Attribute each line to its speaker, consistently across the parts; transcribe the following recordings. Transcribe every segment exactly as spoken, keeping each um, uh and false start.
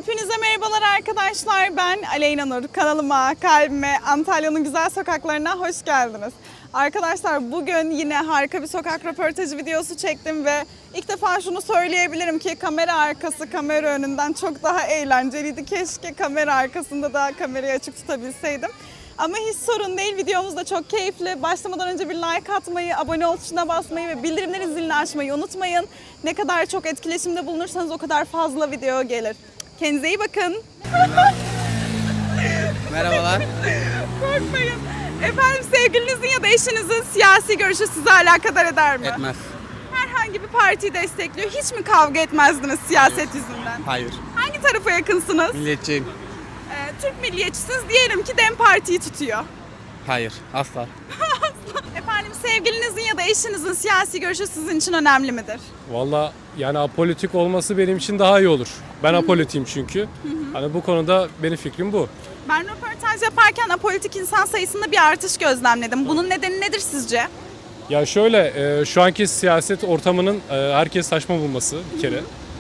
Speaker 1: Hepinize merhabalar arkadaşlar. Ben Aleyna Nur. Kanalıma, kalbime, Antalya'nın güzel sokaklarına hoş geldiniz. Arkadaşlar bugün yine harika bir sokak röportajı videosu çektim ve ilk defa şunu söyleyebilirim ki kamera arkası kamera önünden çok daha eğlenceliydi. Keşke kamera arkasında da kamerayı açık tutabilseydim. Ama hiç sorun değil. Videomuz da çok keyifli. Başlamadan önce bir like atmayı, abone ol tuşuna basmayı ve bildirimlerin zilini açmayı unutmayın. Ne kadar çok etkileşimde bulunursanız o kadar fazla video gelir. Kendinize iyi bakın.
Speaker 2: Merhabalar.
Speaker 1: Korkmayın. Efendim sevgilinizin ya da eşinizin siyasi görüşü sizi alakadar eder mi?
Speaker 2: Etmez.
Speaker 1: Herhangi bir partiyi destekliyor. Hiç mi kavga etmezdiniz siyaset yüzünden?
Speaker 2: Hayır.
Speaker 1: Hangi tarafa yakınsınız?
Speaker 2: Milliyetçiyim.
Speaker 1: Ee, Türk milliyetçisiniz. Diyelim ki DEM Parti'yi tutuyor.
Speaker 2: Hayır. Asla.
Speaker 1: Efendim sevgilinizin ya da eşinizin siyasi görüşü sizin için önemli midir?
Speaker 3: Valla yani apolitik olması benim için daha iyi olur. Ben apolitiyim çünkü. Hani bu konuda benim fikrim bu.
Speaker 1: Ben röportaj yaparken apolitik insan sayısında bir artış gözlemledim. Bunun nedeni nedir sizce?
Speaker 3: Ya şöyle e, şu anki siyaset ortamının e, herkes saçma bulması bir kere.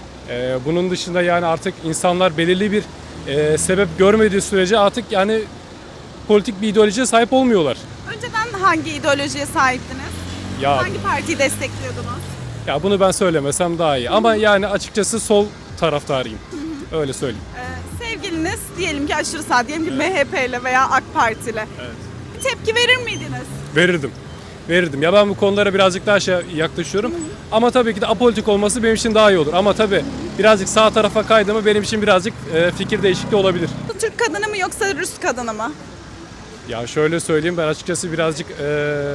Speaker 3: E, bunun dışında yani artık insanlar belirli bir e, sebep görmediği sürece artık yani politik bir ideolojiye sahip olmuyorlar.
Speaker 1: Önceden hangi ideolojiye sahiptiniz?
Speaker 3: Ya
Speaker 1: Hangi partiyi destekliyordunuz?
Speaker 3: ya bunu ben söylemesem daha iyi. Ama yani açıkçası sol taraftarıyım. Öyle söyleyeyim.
Speaker 1: Ee, sevgiliniz diyelim ki aşırı sağ, diyelim ki M H P ile veya AK Parti ile.
Speaker 3: Evet.
Speaker 1: Bir tepki verir miydiniz?
Speaker 3: Verirdim. Verirdim. Ya ben bu konulara birazcık daha şey yaklaşıyorum. Ama tabii ki de apolitik olması benim için daha iyi olur. Ama tabii birazcık sağ tarafa kaydı mı benim için birazcık e, fikir değişikliği olabilir.
Speaker 1: Bu Türk kadını mı yoksa Rus kadını mı?
Speaker 3: Ya şöyle söyleyeyim, ben açıkçası birazcık e,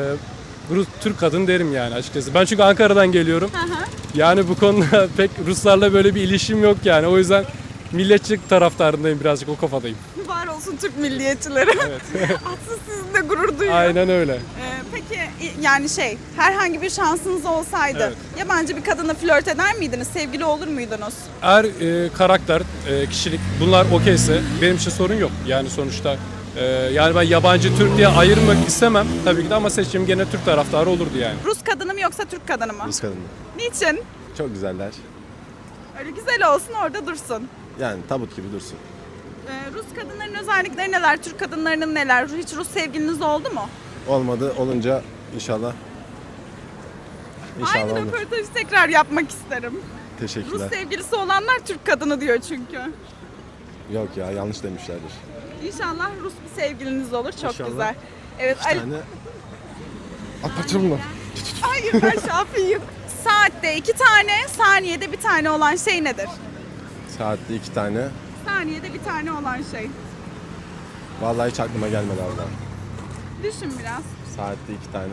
Speaker 3: Rus, Türk kadın derim yani açıkçası. Ben çünkü Ankara'dan geliyorum.
Speaker 1: Hı hı.
Speaker 3: Yani bu konuda pek Ruslarla böyle bir ilişkim yok yani. O yüzden milliyetçilik taraftarındayım, birazcık o kafadayım.
Speaker 1: Var olsun Türk milliyetçileri.
Speaker 3: Evet.
Speaker 1: Aslında sizinle gurur duyuyor.
Speaker 3: Aynen öyle.
Speaker 1: Ee, peki yani şey, herhangi bir şansınız olsaydı
Speaker 3: Evet.
Speaker 1: yabancı bir kadınla flört eder miydiniz? Sevgili olur muydunuz?
Speaker 3: Eğer e, karakter, e, kişilik bunlar okeyse benim için sorun yok. Yani sonuçta e, yani ben yabancı Türk diye ayırmak istemem tabii ki de, ama seçim gene Türk taraftarı olurdu yani.
Speaker 1: Rus kadını mı yoksa Türk kadını mı?
Speaker 4: Rus kadını.
Speaker 1: Niçin?
Speaker 4: Çok güzeller.
Speaker 1: Öyle güzel olsun, orada dursun.
Speaker 4: Yani tabut gibi dursun.
Speaker 1: Ee, Rus kadınların özellikleri neler? Türk kadınlarının neler? Hiç Rus sevgiliniz oldu mu?
Speaker 4: Olmadı, olunca inşallah. İnşallah
Speaker 1: Aynı
Speaker 4: olur.
Speaker 1: röportajı tekrar yapmak isterim. Rus
Speaker 4: Teşekkürler.
Speaker 1: sevgilisi olanlar Türk kadını diyor çünkü.
Speaker 4: Yok ya, yanlış demişlerdir.
Speaker 1: İnşallah Rus bir sevgiliniz olur. Çok
Speaker 4: İnşallah.
Speaker 1: güzel. Evet.
Speaker 4: İki
Speaker 1: Ali-
Speaker 4: tane... Atlatır mı?
Speaker 1: Hayır, ben Şafi'yim. Saatte iki tane, saniyede bir tane olan şey nedir?
Speaker 4: Saatte iki tane.
Speaker 1: Saniyede bir tane olan şey.
Speaker 4: Vallahi hiç aklıma gelmedi abla.
Speaker 1: Düşün biraz.
Speaker 4: Saatte iki tane.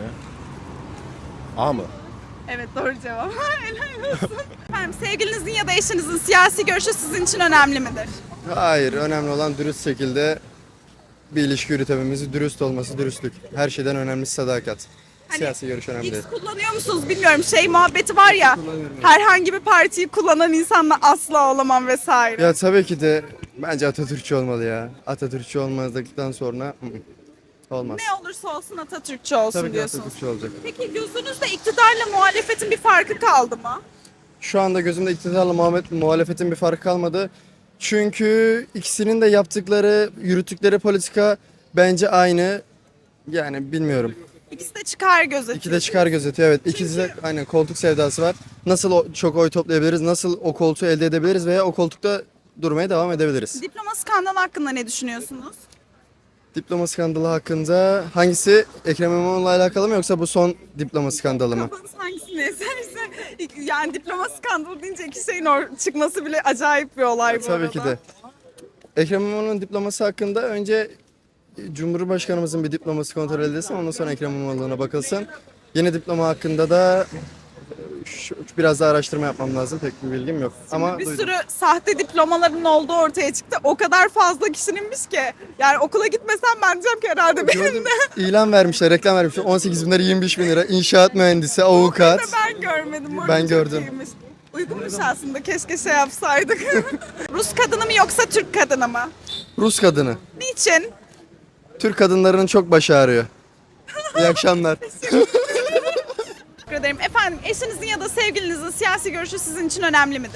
Speaker 4: A mı?
Speaker 1: Evet, doğru cevap. Helal olsun. Efendim, sevgilinizin ya da eşinizin siyasi görüşü sizin için önemli midir?
Speaker 5: Hayır, önemli olan dürüst şekilde bir ilişki yürütememiz, dürüst olması, dürüstlük. Her şeyden önemlisi sadakat.
Speaker 1: Hani
Speaker 5: Siyasi görüş önemli değil.
Speaker 1: X kullanıyor musunuz bilmiyorum. Şey muhabbeti var ya, herhangi bir partiyi kullanan insanla asla olamam vesaire.
Speaker 5: Ya tabii ki de bence Atatürkçü olmalı ya. Atatürkçü olmazdıktan sonra ı -ı, olmaz.
Speaker 1: Ne olursa olsun Atatürkçü olsun
Speaker 5: Tabii ki
Speaker 1: diyorsunuz.
Speaker 5: Atatürkçü olacak.
Speaker 1: Peki gözünüzde iktidarla muhalefetin bir farkı kaldı mı?
Speaker 5: Şu anda gözümde iktidarla muhabbet, muhalefetin bir farkı kalmadı. Çünkü ikisinin de yaptıkları, yürüttükleri politika bence aynı. Yani bilmiyorum.
Speaker 1: İkisi de çıkar gözetiyor.
Speaker 5: İki de çıkar gözetiyor, evet. İkisi de aynen koltuk sevdası var. Nasıl o, çok oy toplayabiliriz, nasıl o koltuğu elde edebiliriz veya o koltukta durmaya devam edebiliriz.
Speaker 1: Diploma skandalı hakkında ne düşünüyorsunuz?
Speaker 5: Diploma skandalı hakkında hangisi? Ekrem İmamoğlu'yla alakalı mı yoksa bu son diploma skandalı mı?
Speaker 1: Kafanız hangisini eserse, yani diploma skandalı deyince iki şeyin or- çıkması bile acayip bir olay bu
Speaker 5: Tabii
Speaker 1: arada.
Speaker 5: ki de. Ekrem İmamoğlu'nun diploması hakkında önce Cumhurbaşkanımızın bir diploması kontrol edilsin, ondan sonra Ekrem İmamoğlu'na bakılsın. Yeni diploma hakkında da şu- biraz daha araştırma yapmam lazım. Pek bir bilgim yok. Ama
Speaker 1: Bir
Speaker 5: duydum.
Speaker 1: sürü sahte diplomaların olduğu ortaya çıktı. O kadar fazla kişininmiş ki. Yani okula gitmesem ben diyeceğim ki herhalde benim
Speaker 5: Gördüm.
Speaker 1: de.
Speaker 5: İlan vermişler, reklam vermişler. on sekiz bin lira, yirmi beş bin lira. İnşaat mühendisi, avukat.
Speaker 1: Ben görmedim. O
Speaker 5: Ben
Speaker 1: çok
Speaker 5: gördüm.
Speaker 1: iyiymiş. Uygunmuş aslında. Keşke şey yapsaydık. Rus kadını mı yoksa Türk kadını mı?
Speaker 5: Rus kadını.
Speaker 1: Niçin?
Speaker 5: Türk kadınlarının çok başı ağrıyor. İyi akşamlar.
Speaker 1: Teşekkür ederim. Efendim, eşinizin ya da sevgilinizin siyasi görüşü sizin için önemli midir?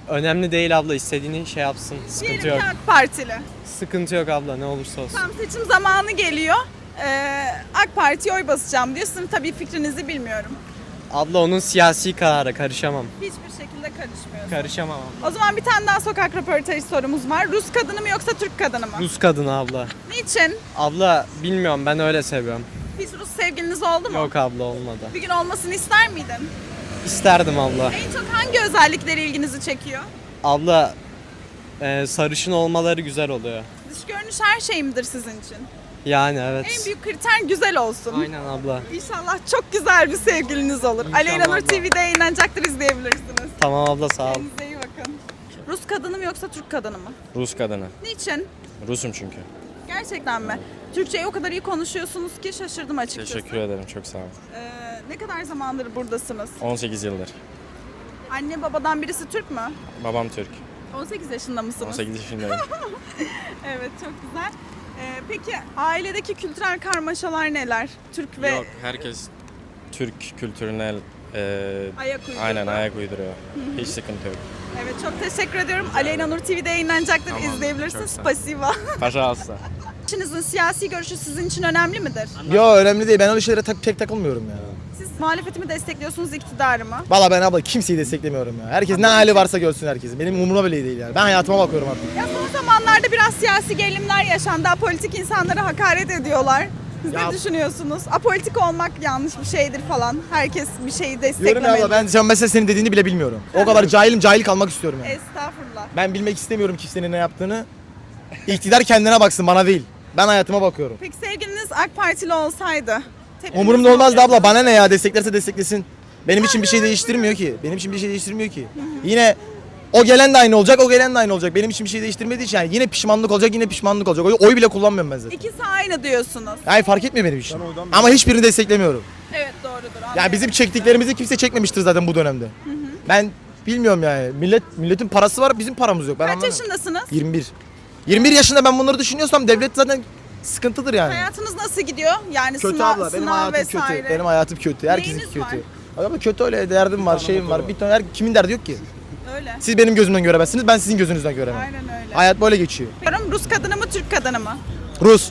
Speaker 6: Önemli değil abla, istediğini şey yapsın. Sıkıntı
Speaker 1: Diyelim
Speaker 6: yok.
Speaker 1: ki AK Partili.
Speaker 6: Sıkıntı yok abla, ne olursa olsun.
Speaker 1: Tam seçim zamanı geliyor. Ee, AK Parti'ye oy basacağım diyor. Sizin tabii fikrinizi bilmiyorum.
Speaker 6: Abla onun siyasi kararı, karışamam.
Speaker 1: Hiçbir şekilde karışmıyorsun.
Speaker 6: Karışamam abla.
Speaker 1: O zaman bir tane daha sokak röportajı sorumuz var. Rus kadını mı yoksa Türk kadını mı?
Speaker 6: Rus kadını abla.
Speaker 1: Niçin?
Speaker 6: Abla bilmiyorum, ben öyle seviyorum.
Speaker 1: Hiç Rus sevgiliniz oldu mu?
Speaker 6: Yok abla, olmadı.
Speaker 1: Bir gün olmasını ister miydin?
Speaker 6: İsterdim abla.
Speaker 1: En çok hangi özellikleri ilginizi çekiyor?
Speaker 6: Abla e, sarışın olmaları güzel oluyor.
Speaker 1: Dış görünüş her şey midir sizin için?
Speaker 6: Yani evet.
Speaker 1: En büyük kriter güzel olsun.
Speaker 6: Aynen abla.
Speaker 1: İnşallah çok güzel bir sevgiliniz olur.
Speaker 6: İnşallah
Speaker 1: Aleyna Nur
Speaker 6: abla.
Speaker 1: T V'de yayınlanacaktır, izleyebilirsiniz.
Speaker 6: Tamam abla, sağ ol.
Speaker 1: Kendinize iyi bakın. Rus kadını mı yoksa Türk kadını mı?
Speaker 4: Rus kadını.
Speaker 1: Niçin?
Speaker 4: Rusum çünkü.
Speaker 1: Gerçekten mi? Türkçeyi o kadar iyi konuşuyorsunuz ki şaşırdım açıkçası.
Speaker 4: Teşekkür ederim, çok sağ olun.
Speaker 1: Ee, ne kadar zamandır buradasınız?
Speaker 4: on sekiz yıldır.
Speaker 1: Anne babadan birisi Türk mü?
Speaker 4: Babam Türk.
Speaker 1: on sekiz yaşında mısınız?
Speaker 4: on sekiz yaşındayım.
Speaker 1: Evet, çok güzel. Ee, peki ailedeki kültürel karmaşalar neler? Türk ve
Speaker 4: Yok, herkes Türk kültürüne e,
Speaker 1: ayak uyduruyor.
Speaker 4: aynen ayak uyduruyor. Hiç sıkıntı yok.
Speaker 1: Evet, çok teşekkür ediyorum. Aleyna Nur T V'de yayınlanacaktır,
Speaker 4: Tamam,
Speaker 1: izleyebilirsiniz.
Speaker 4: çok sağ ol.
Speaker 1: Spasiba.
Speaker 4: Pожалуйста.
Speaker 1: İçinizin siyasi görüşü sizin için önemli midir?
Speaker 7: Yo önemli değil. Ben öyle şeylere tak, tek takılmıyorum ya.
Speaker 1: Siz muhalefeti mi destekliyorsunuz, iktidarı mı?
Speaker 7: Valla ben abla kimseyi desteklemiyorum ya. Herkes ne hali varsa görsün herkesin. Benim umurumda bile değil yani. Ben hayatıma bakıyorum artık.
Speaker 1: Ya son zamanlarda biraz siyasi gerilimler yaşandı. Apolitik insanlara hakaret ediyorlar. Siz
Speaker 7: Ya-
Speaker 1: ne düşünüyorsunuz? Apolitik olmak yanlış bir şeydir falan. Herkes bir şeyi
Speaker 7: Diyorum
Speaker 1: desteklemeli.
Speaker 7: ya abla ben sen mesela senin dediğini bile bilmiyorum. O kadar cahilim cahil kalmak istiyorum yani.
Speaker 1: Estağfurullah.
Speaker 7: Ben bilmek istemiyorum kimsenin ne yaptığını. İktidar kendine baksın bana değil. Ben hayatıma bakıyorum.
Speaker 1: Peki sevgiliniz AK Partili olsaydı? tepkiniz
Speaker 7: Umurumda
Speaker 1: ne
Speaker 7: olmaz da
Speaker 1: olurdu?
Speaker 7: abla bana ne ya desteklerse desteklesin. Benim için bir şey değiştirmiyor ki. Benim için bir şey değiştirmiyor ki. Yine o gelen de aynı olacak, o gelen de aynı olacak. Benim için bir şey değiştirmediği için yani yine pişmanlık olacak, yine pişmanlık olacak. Oy, oy bile kullanmıyorum ben zaten.
Speaker 1: İkisi aynı diyorsunuz.
Speaker 7: Yani fark etmiyor benim için. Ama hiçbirini desteklemiyorum.
Speaker 1: Evet, doğrudur.
Speaker 7: Yani
Speaker 1: anlıyorum.
Speaker 7: bizim çektiklerimizi kimse çekmemiştir zaten bu dönemde. Ben bilmiyorum yani. Millet milletin parası var, bizim paramız yok. Ben
Speaker 1: Kaç
Speaker 7: anlamıyorum.
Speaker 1: yaşındasınız?
Speaker 7: yirmi bir. yirmi bir yaşında ben bunları düşünüyorsam devlet zaten sıkıntıdır yani.
Speaker 1: Hayatınız nasıl gidiyor? Yani
Speaker 7: Kötü
Speaker 1: sınav,
Speaker 7: abla, benim
Speaker 1: sınav
Speaker 7: hayatım
Speaker 1: vesaire.
Speaker 7: kötü. Benim hayatım kötü. Herkesin
Speaker 1: Neyiniz
Speaker 7: kötü.
Speaker 1: var?
Speaker 7: Ama kötü öyle derdim var, şeyim var. Bir tane her, kimin derdi yok ki?
Speaker 1: Öyle.
Speaker 7: Siz benim gözümden göremezsiniz, ben sizin gözünüzden göremem.
Speaker 1: Aynen öyle.
Speaker 7: Hayat böyle geçiyor.
Speaker 1: Diyorum, Rus kadını mı, Türk kadını mı?
Speaker 7: Rus.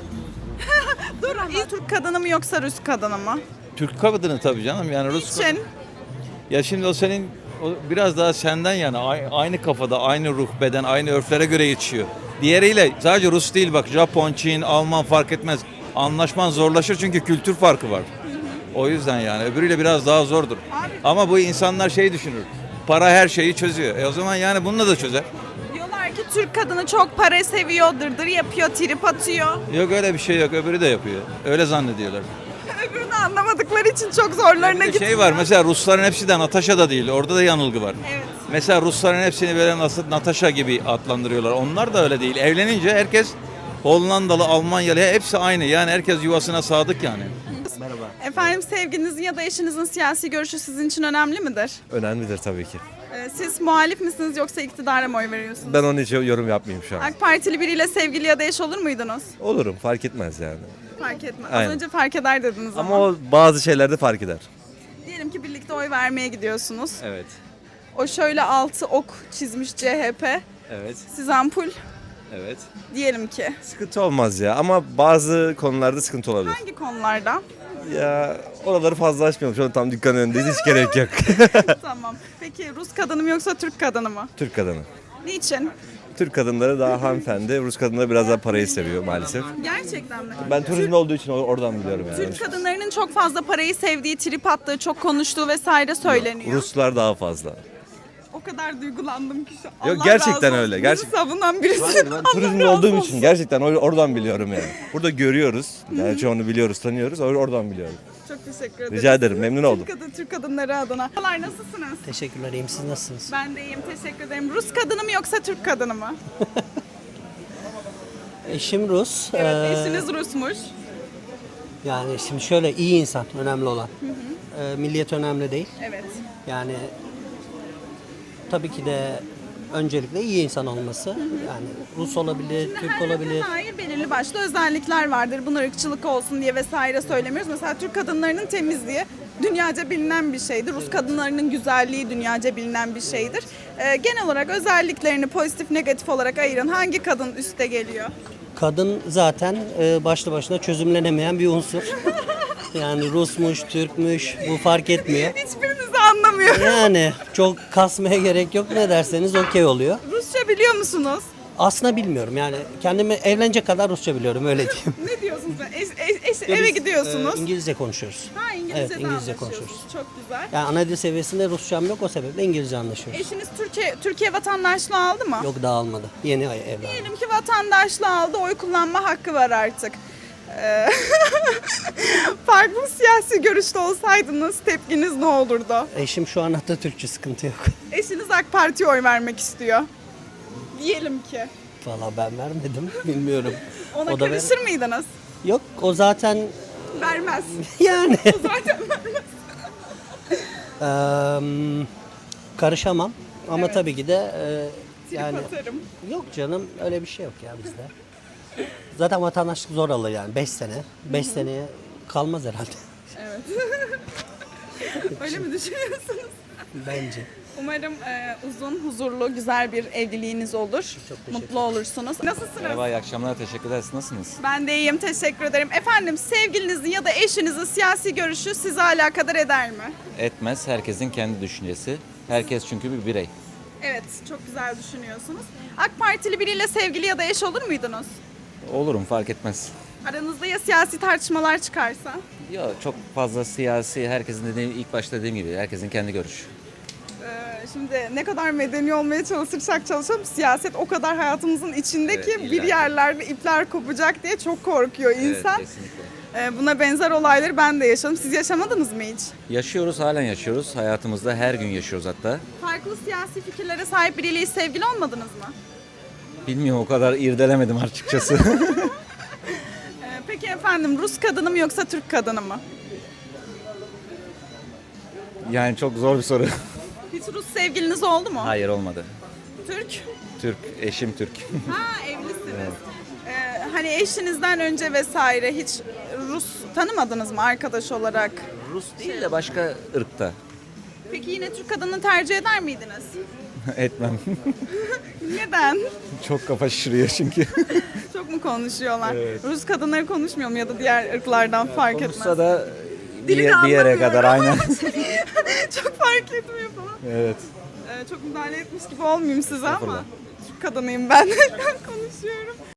Speaker 1: Dur ama. İyi Türk kadını mı yoksa Rus kadını mı?
Speaker 8: Türk kadını tabii canım yani Rus kadını.
Speaker 1: Için.
Speaker 8: Ya şimdi o senin o biraz daha senden yani ay- aynı kafada, aynı ruh, beden, aynı örflere göre yetişiyor. Diğeriyle sadece Rus değil bak Japon, Çin, Alman fark etmez. Anlaşman zorlaşır çünkü kültür farkı var. O yüzden yani öbürüyle biraz daha zordur. Ama bu insanlar şey düşünür. Para her şeyi çözüyor. E o zaman yani bununla da çözer.
Speaker 1: Diyorlar ki Türk kadını çok para seviyor, dırdır yapıyor, trip atıyor.
Speaker 8: Yok öyle bir şey yok. Öbürü de yapıyor. Öyle zannediyorlar.
Speaker 1: Öbürünü anlamadıkları için çok zorlarına
Speaker 8: Bir de
Speaker 1: gidiyor.
Speaker 8: şey var mesela Rusların hepsi de Natasha da değil. Orada da yanılgı var.
Speaker 1: Evet.
Speaker 8: Mesela Rusların hepsini böyle nasıl Natasha gibi adlandırıyorlar. Onlar da öyle değil. Evlenince herkes Hollandalı, Almanyalı hepsi aynı. Yani herkes yuvasına sadık yani.
Speaker 1: Efendim, sevgilinizin ya da eşinizin siyasi görüşü sizin için önemli midir?
Speaker 9: Önemlidir tabii ki.
Speaker 1: Ee, Siz muhalif misiniz yoksa iktidara mı oy veriyorsunuz?
Speaker 9: Ben onun için yorum yapmayayım şu an.
Speaker 1: AK Partili biriyle sevgili ya da eş olur muydunuz?
Speaker 9: Olurum, fark etmez yani.
Speaker 1: Fark etmez. Az
Speaker 9: Aynen.
Speaker 1: önce fark eder dediniz ama.
Speaker 9: Ama o bazı şeylerde fark eder.
Speaker 1: Diyelim ki birlikte oy vermeye gidiyorsunuz.
Speaker 9: Evet.
Speaker 1: O şöyle altı ok çizmiş C H P.
Speaker 9: Evet.
Speaker 1: Siz ampul
Speaker 9: Evet.
Speaker 1: diyelim ki.
Speaker 9: Sıkıntı olmaz ya ama bazı konularda sıkıntı olabilir.
Speaker 1: Hangi konularda?
Speaker 9: Ya oraları fazla açmayalım. Şu an tam dükkanın önündeyiz, hiç gerek yok.
Speaker 1: Tamam. Peki Rus kadını mı yoksa Türk kadını mı?
Speaker 9: Türk kadını.
Speaker 1: Niçin?
Speaker 9: Türk kadınları daha hanımefendi, Rus kadınları biraz daha parayı seviyor maalesef.
Speaker 1: Gerçekten mi?
Speaker 9: Ben turizm olduğu için oradan biliyorum yani.
Speaker 1: Türk kadınlarının çok fazla parayı sevdiği, trip attığı, çok konuştuğu vesaire söyleniyor.
Speaker 9: Ruslar daha fazla.
Speaker 1: O kadar duygulandım ki şu an.
Speaker 9: Yok,
Speaker 1: Allah
Speaker 9: gerçekten
Speaker 1: razı olsun.
Speaker 9: öyle,
Speaker 1: Bizi
Speaker 9: gerçek-
Speaker 1: savunan birisi.
Speaker 9: Hayır, ben
Speaker 1: Allah
Speaker 9: turizm
Speaker 1: razı
Speaker 9: olduğum
Speaker 1: olsun.
Speaker 9: için gerçekten or- oradan biliyorum yani. Burada görüyoruz. Yani çoğunu biliyoruz, tanıyoruz. or- Oradan biliyorum.
Speaker 1: Çok teşekkür ederim.
Speaker 9: Rica ederim, memnun oldum.
Speaker 1: Türk, kadın, Türk kadınları adına. Merhabalar, nasılsınız?
Speaker 10: Teşekkürler, iyiyim. Siz nasılsınız?
Speaker 1: Ben de iyiyim, teşekkür ederim. Rus kadını mı yoksa Türk kadını mı?
Speaker 10: Eşim Rus.
Speaker 1: Evet,
Speaker 10: Ee,
Speaker 1: eşiniz Rusmuş.
Speaker 10: Yani şimdi şöyle iyi insan önemli olan. Ee, milliyet önemli değil.
Speaker 1: Evet.
Speaker 10: Yani tabii ki de öncelikle iyi insan olması. Yani Rus olabilir, Türk
Speaker 1: Her
Speaker 10: olabilir.
Speaker 1: ırka dair belirli başlı özellikler vardır. Bunlar ırkçılık olsun diye vesaire söylemiyoruz. Mesela Türk kadınlarının temizliği dünyaca bilinen bir şeydir. Rus kadınlarının güzelliği dünyaca bilinen bir şeydir. Ee, genel olarak özelliklerini pozitif negatif olarak ayırın. Hangi kadın üste geliyor?
Speaker 10: Kadın zaten e, başlı başına çözümlenemeyen bir unsur. Yani Rusmuş, Türkmüş bu fark etmiyor.
Speaker 1: Hiçbirinizi anlamıyorum.
Speaker 10: Yani çok kasmaya gerek yok. Ne derseniz okey oluyor.
Speaker 1: Rusça biliyor musunuz?
Speaker 10: Aslında bilmiyorum yani kendimi evlenecek kadar Rusça biliyorum öyle diyeyim.
Speaker 1: Ne diyorsunuz? Eş, eş, eş-
Speaker 10: Biz,
Speaker 1: eve gidiyorsunuz.
Speaker 10: e, İngilizce konuşuyoruz.
Speaker 1: ha İngilizce
Speaker 10: Evet,
Speaker 1: de
Speaker 10: İngilizce
Speaker 1: anlaşıyorsunuz.
Speaker 10: konuşuyoruz.
Speaker 1: Çok güzel.
Speaker 10: Yani ana dil seviyesinde Rusçam yok o sebeple İngilizce anlaşıyoruz.
Speaker 1: Eşiniz Türkiye Türkiye vatandaşlığı aldı mı?
Speaker 10: Yok daha almadı. Yeni ay- evlendim.
Speaker 1: Diyelim ki vatandaşlığı aldı, oy kullanma hakkı var artık. Ee, Farklı siyasi görüşte olsaydınız tepkiniz ne olurdu?
Speaker 10: Eşim şu an Atatürkçü, sıkıntı yok.
Speaker 1: Eşiniz AK Parti'ye oy vermek istiyor. Diyelim ki.
Speaker 10: Valla ben vermedim bilmiyorum.
Speaker 1: Ona
Speaker 10: O da ver-
Speaker 1: karışır mıydınız?
Speaker 10: Yok o zaten
Speaker 1: Vermez.
Speaker 10: yani
Speaker 1: O zaten vermez.
Speaker 10: eee, karışamam ama
Speaker 1: Evet.
Speaker 10: tabii ki de eee, yani
Speaker 1: Trip atarım.
Speaker 10: yok canım öyle bir şey yok ya bizde. Zaten vatandaşlık zor alır yani beş sene. beş seneye kalmaz herhalde
Speaker 1: Öyle mi düşünüyorsunuz?
Speaker 10: bence.
Speaker 1: Umarım e, uzun, huzurlu, güzel bir evliliğiniz olur.
Speaker 10: teşekkür
Speaker 1: Mutlu olursunuz. Nasılsınız?
Speaker 9: Merhaba, iyi akşamlar. Teşekkür ederiz. Nasılsınız?
Speaker 1: Ben de iyiyim, teşekkür ederim. Efendim, sevgilinizin ya da eşinizin siyasi görüşü sizi alakadar eder mi?
Speaker 9: Etmez. Herkesin kendi düşüncesi. Herkes çünkü bir birey.
Speaker 1: Evet, çok güzel düşünüyorsunuz. AK Partili biriyle sevgili ya da eş olur muydunuz?
Speaker 9: Olurum, fark etmez.
Speaker 1: Aranızda ya siyasi tartışmalar çıkarsa?
Speaker 9: Ya çok fazla siyasi, herkesin dediğim, ilk başta dediğim gibi herkesin kendi görüşü.
Speaker 1: Ee, Şimdi ne kadar medeni olmaya çalışırsak çalışalım, siyaset o kadar hayatımızın içinde
Speaker 9: Evet,
Speaker 1: ki
Speaker 9: illa
Speaker 1: bir
Speaker 9: ki.
Speaker 1: yerlerde ipler kopacak diye çok korkuyor insan.
Speaker 9: Evet, kesinlikle.
Speaker 1: Ee, Buna benzer olayları ben de yaşadım. Siz yaşamadınız mı hiç?
Speaker 9: Yaşıyoruz, halen yaşıyoruz. Hayatımızda her gün yaşıyoruz hatta.
Speaker 1: Farklı siyasi fikirlere sahip biriyle hiç sevgili olmadınız mı?
Speaker 9: Bilmiyorum, o kadar irdelemedim açıkçası.
Speaker 1: Ee, Peki efendim, Rus kadını mı yoksa Türk kadını mı?
Speaker 9: Yani çok zor bir soru.
Speaker 1: Hiç Rus sevgiliniz oldu mu?
Speaker 9: Hayır, olmadı.
Speaker 1: Türk?
Speaker 9: Türk, eşim Türk.
Speaker 1: Ha, evlisiniz. Ee, hani eşinizden önce vesaire hiç Rus tanımadınız mı arkadaş olarak?
Speaker 9: Rus değil de başka ırkta.
Speaker 1: Peki yine Türk kadını tercih eder miydiniz?
Speaker 9: Etmem.
Speaker 1: Neden?
Speaker 9: Çok kafa şişiriyor çünkü.
Speaker 1: Çok mu konuşuyorlar? Rus kadınları konuşmuyor mu ya da diğer ırklardan fark etmez.
Speaker 9: Konuşsa da bir,
Speaker 1: Dilini
Speaker 9: bir yere
Speaker 1: anlamıyorum.
Speaker 9: kadar aynen.
Speaker 1: Çok fark etmiyor falan.
Speaker 9: Evet.
Speaker 1: Ee, çok müdahale etmiş gibi olmayayım size ama
Speaker 9: Estağfurullah.
Speaker 1: Türk kadınıyım ben. Konuşuyorum.